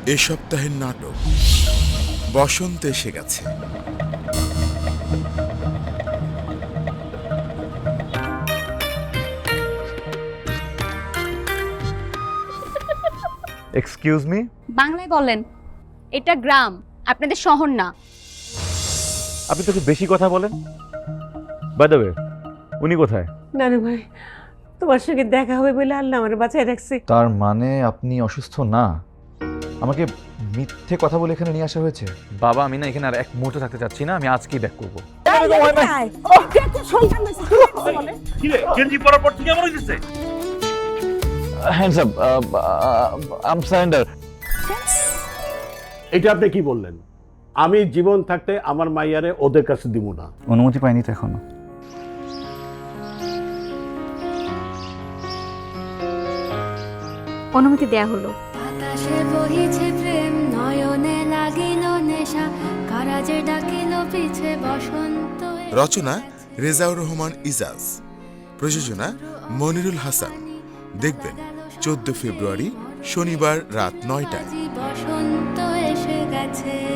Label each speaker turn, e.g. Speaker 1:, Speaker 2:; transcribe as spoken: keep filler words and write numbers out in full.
Speaker 1: এ সপ্তাহের নাটক বসন্ত এসে গেছে।
Speaker 2: এক্সকিউজ মি,
Speaker 3: বাংলায় বলেন, এটা গ্রাম, আপনাদের শহর না।
Speaker 2: আপনি তো একটু বেশি কথা বলেন। বাই দ্য ওয়ে, উনি কোথায়?
Speaker 4: নানু ভাই, তোমার সঙ্গে দেখা হবে বলে আল্লাহ আমার বাঁচায় রাখছে।
Speaker 2: তার মানে আপনি অসুস্থ না? আমাকে মিথ্যে কথা বলে এখানে নিয়ে আসা হয়েছে। বাবা, আমি না এখানে আর এক মুহূর্ত থাকতে চাচ্ছি না, আমি আজকেই ব্যাক করবো। Hands up, I am surrender.
Speaker 5: এটা আপনি কি বললেন? আমি জীবন থাকতে আমার মাইয়ারে ওদের কাছে দিব না।
Speaker 2: অনুমতি পাইনি তো এখনো।
Speaker 3: অনুমতি দেয়া হলো।
Speaker 6: আকাশে বহিছে প্রেম, নয়নে লাগিল নেশা, কারাজে ডাকিল পিছে বসন্ত।
Speaker 1: রচনা রেজাউর রহমান ইজাজ, প্রযোজনা মনিরুল হাসান। দেখবেন চোদ্দ ফেব্রুয়ারি শনিবার রাত নয়টায়।
Speaker 6: বসন্ত এসে গেছে।